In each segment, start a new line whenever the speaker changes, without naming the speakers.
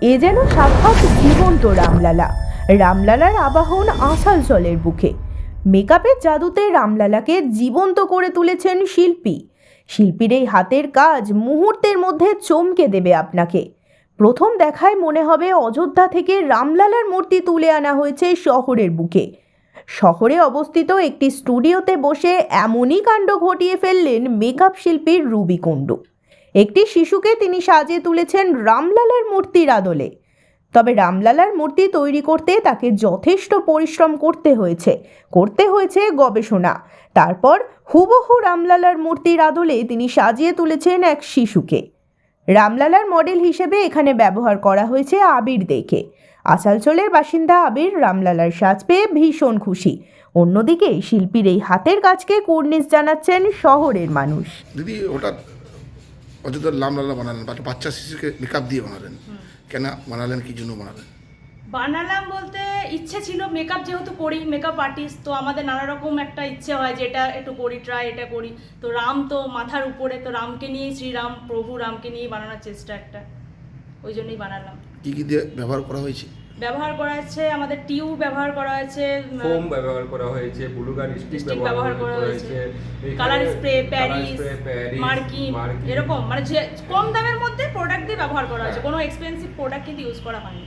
এ যেন সাক্ষাৎ জীবন্ত রামলালা। রামলালার আবাহন আসানসোলের বুকে। মেকআপের জাদুতে রামলালাকে জীবন্ত করে তুলেছেন শিল্পী। শিল্পীর এই হাতের কাজ মুহূর্তের মধ্যে চমকে দেবে আপনাকে। প্রথম দেখায় মনে হবে অযোধ্যা থেকে রামলালার মূর্তি তুলে আনা হয়েছে শহরের বুকে। শহরে অবস্থিত একটি স্টুডিওতে বসে এমনই কাণ্ড ঘটিয়ে ফেললেন মেকআপ শিল্পী রুবি কুণ্ডু। একটি শিশুকে তিনি সাজিয়ে তুলেছেন রামলালার মূর্তির আদলে। তবে রামলালার মূর্তি তৈরি করতে তাকে যথেষ্ট পরিশ্রম করতে হয়েছে গবেষণা। তারপর হুবহু রামলালার মূর্তির আদলে তিনি সাজিয়ে তুলেছেন এক শিশুকে। রামলালার মডেল হিসেবে এখানে ব্যবহার করা হয়েছে আবির দেকে। আসানসোলের বাসিন্দা আবির রামলালার সাজ পেয়ে ভীষণ খুশি। অন্যদিকে শিল্পীর এই হাতের কাজকে কুর্নিশ জানাচ্ছেন শহরের মানুষ।
দিদি হঠাৎ অযোধ্যার রামলালা বানালেন, বাচ্চা শিশুকে মেকআপ দিয়ে বানালেন, কেন বানালেন, কি জন্য বানালেন?
বানালাম বলতে ইচ্ছে ছিল, মেকআপ যেহেতু করি, মেকআপ আর্টিস্ট, তো আমাদের নানা রকম একটা ইচ্ছে হয় যে এটা একটু করি, এটা করি। তো রাম তো মাথার উপরে, তো রামকে নিয়েই, শ্রীরাম প্রভু রামকে নিয়েই বানানোর চেষ্টা একটা, ওই জন্যই বানালাম।
কি কি দিয়ে ব্যবহার করা হয়েছে?
ব্যবহার করা হয়েছে আমাদের টিউব ব্যবহার করা হয়েছে,
ফোম ব্যবহার করা হয়েছে, ব্লুগান স্টিক ব্যবহার করা হয়েছে,
কালার স্প্রে, প্যারিস, মার্কিন, এরকম মানে যে কম দামের মধ্যে প্রোডাক্ট দিয়ে ব্যবহার করা হয়েছে। কোনো এক্সপেন্সিভ প্রোডাক্ট কিন্তু ইউজ করা হয়নি।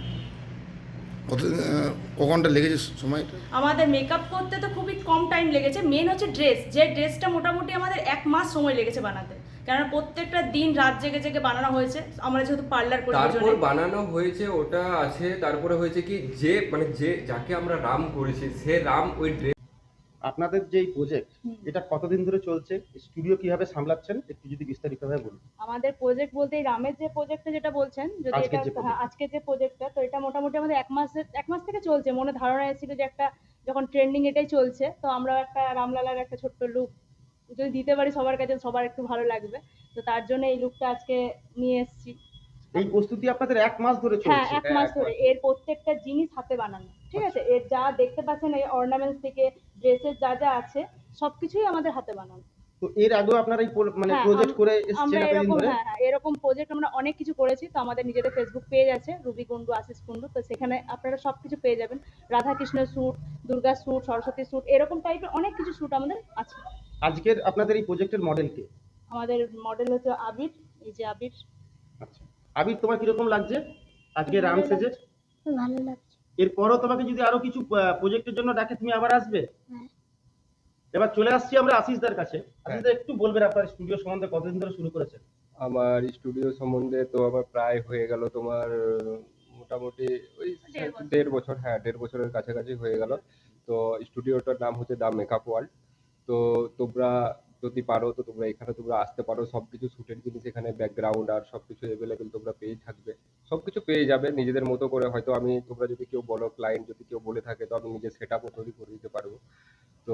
কখনটা লেগেছে সময়টা?
আমাদের মেকআপ করতে তো খুবই কম টাইম লেগেছে। মেন হচ্ছে ড্রেস, যে ড্রেসটা মোটামুটি আমাদের 1 মাস সময় লেগেছে বানাতে, কেননা প্রত্যেকটা দিন রাত জেগে জেগে বানানো হয়েছে। আমরা যেহেতু পার্লার করি,
তারপর বানানো হয়েছে ওটা আছে। তারপরে হয়েছে কি যে মানে যে যাকে আমরা রাম করেছি সে রাম ওই ড্রেস।
আপনাদের যে প্রজেক্ট, এটা কতদিন ধরে চলছে? স্টুডিও কিভাবে সামলাচ্ছেন একটু যদি বিস্তারিতভাবে বলুন।
আমাদের প্রজেক্ট বলতে এই রামের যে প্রজেক্টটা যেটা বলছেন, যদি এটা আজকে যে প্রজেক্টটা, তো এটা মোটামুটি আমাদের 1 মাস থেকে চলছে। মনে ধারণা এসেছিল যে একটা যখন ট্রেন্ডিং এটাই চলছে, তো আমরা একটা রামলালার একটা ছোট্ট লুক যদি দিতে পারি সবার কাছে, সবার একটু ভালো লাগবে। তো তার জন্য এই লুকটা আজকে নিয়ে এসেছি।
এই প্রস্তুতি আপনাদের 1 মাস ধরে চলছে?
হ্যাঁ, 1 মাস ধরে। এর প্রত্যেকটা জিনিস হাতে বানানো, ঠিক আছে? এর যা দেখতে পাচ্ছেন, এই অর্নামেন্টস থেকে ড্রেসের যা যা আছে সবকিছুই আমাদের হাতে বানানো।
তো এর আগেও আপনারা এই মানে প্রজেক্ট করে এসেছেন এতদিন ধরে?
হ্যাঁ, এরকম প্রজেক্ট আমরা অনেক কিছু করেছি। তো আমাদের নিজেদের ফেসবুক পেজ আছে, রুবি কুণ্ডু, আশিস কুণ্ডু। তো সেখানে আপনারা সবকিছু পেয়ে যাবেন। রাধাকৃষ্ণের suit, Durga suit, Saraswati suit, এরকম টাইপের অনেক কিছু স্যুট আমাদের আছে।
আজকের আপনাদের এই প্রজেক্টের মডেল কে?
আমাদের মডেল হচ্ছে আবির। এই যে আবির।
আচ্ছা, আবির, তোমার কিরকম লাগছে আজকে রাম সেজে?
ভালো লাগছে।
এরপরও তোমাকে যদি আরো কিছু প্রজেক্টের জন্য ডাকে, তুমি আবার আসবে?
হ্যাঁ।
এবার চলে আসছি আমরা আশিসদার কাছে। আশিসদা, একটু বলবেন আপনার স্টুডিও সম্বন্ধে, কতদিন ধরে শুরু করেছেন?
আমার স্টুডিও সম্বন্ধে তো আমার প্রায় হয়ে গেল তোমার মোটামুটি ওই 1.5 বছর। হ্যাঁ, 1.5 বছরের কাছাকাছি হয়ে গেল। তো স্টুডিওটার নাম হচ্ছে দ্য মেকআপ ওয়ার্ল্ড। তো তোমরা যদি পারো তো তোমরা এখানে তোমরা আসতে পারো। সবকিছু শুটের জিনিস এখানে, ব্যাকগ্রাউন্ড আর সবকিছু অ্যাভেলেবেল তোমরা পেয়ে থাকবে। সবকিছু পেয়ে যাবে নিজেদের মতো করে। হয়তো আমি তোমরা যদি কেউ বলো, ক্লায়েন্ট যদি কেউ বলে থাকে, তো আমি নিজের সেটআপও তৈরি করে দিতে পারবো। তো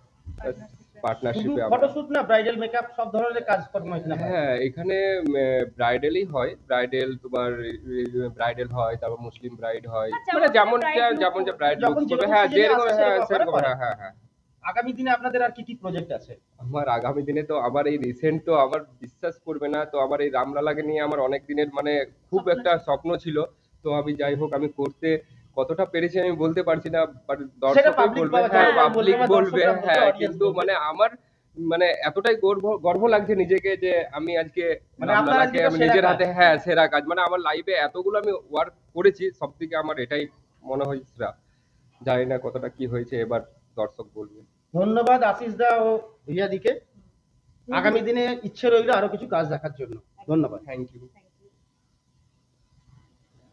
শুধু
পার্টনারশিপে
ফটোশুট না, ব্রাইডাল মেকআপ সব ধরনের কাজকর্ম এখানে হয়?
হ্যাঁ, এখানে ব্রাইডালই হয়। ব্রাইডাল তোমার ব্রাইডাল হয়, তারপর মুসলিম ব্রাইড হয়, মানে যেমন যা ব্রাইড
যখন
লুকস করবে।
যেরকম
হ্যাঁ,
season
যেরকম,
আসে
হ্যাঁ
সেরকম
সেরকম,
করে।
হ্যাঁ হ্যাঁ হ্যাঁ।
আগামী দিনে আপনাদের আর কি কি প্রজেক্ট আছে?
আমার আগামী দিনে তো আমার এই রিসেন্ট তো আমার বিশ্বাস করবে না, তো আমার এই রামলালাকে নিয়ে আমার অনেক দিনের মানে খুব একটা স্বপ্ন ছিল। তো আমি যাই হোক, আমি করতে কতটা পেরেছি আমি বলতে পারছি না, বাট দর্শকই
public
বলবে।
বলা
হ্যাঁ,
যায়,
পাবলিক
দর্শকরা
বলবে।
বলবে,
হ্যাঁ,
audience
কিন্তু
বলবে।
মানে আমার মানে এতটাই গর্ব লাগছে নিজেকে যে আমি আজকে
মানে আপনার
রামলালাকে
আজকে
আমি
সেরা
নিজের
কাজ।
হাতে, হ্যাঁ সেরা কাজ, মানে আমার লাইফে এতগুলো আমি ওয়ার্ক করেছি, সবথেকে আমার এটাই মনে হয় সেরা। জানি না কতটা কি হয়েছে, এবার দর্শক বলবে।
ধন্যবাদ আশিসদা ও রিয়াদিকে। আগামী দিনে ইচ্ছে রইল আরো কিছু কাজ দেখার জন্য। ধন্যবাদ।
Thank you.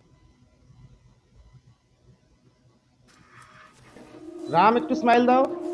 রাম, একটু স্মাইল দাও।